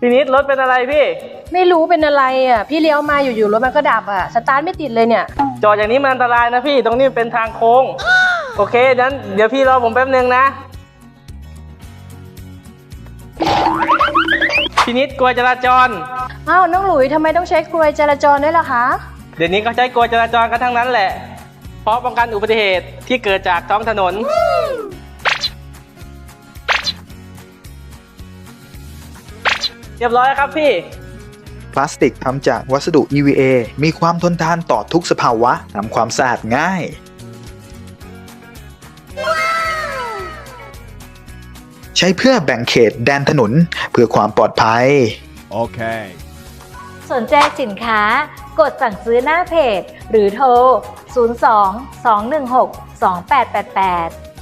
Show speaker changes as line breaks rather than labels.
พี่นิดรถเป็นอะไรพี่
ไม่รู้เป็นอะไรอ่ะพี่เลี้ยวมาอยู่ๆรถมันก็ดับอ่ะสตาร์ทไม่ติดเลยเนี่ย
จอดอย่างนี้มันอันตรายนะพี่ตรงนี้เป็นทางโค้งโอเคงั้นเดี๋ยวพี่รอผมแป๊บนึงนะพี่นิดกลัวจราจร
อ้าวน้องหลุยทำไมต้องใช้กลวยจราจรด้วยล่ะคะ
เดี๋ยวนี้ก็ใช้กลัวจราจรกันทั้งนั้นแหละเพราะป้องกันอุบัติเหตุที่เกิดจากท้องถนนเรียบร้อยครับพี่
พลาสติกทำจากวัสดุ EVA มีความทนทานต่อทุกสภาวะทำความสะอาดง่ายใช้เพื่อแบ่งเขตแดนถนนเพื่อความปลอดภัย
โอเค
สนใจสินค้ากดสั่งซื้อหน้าเพจหรือโทร 02 216 2888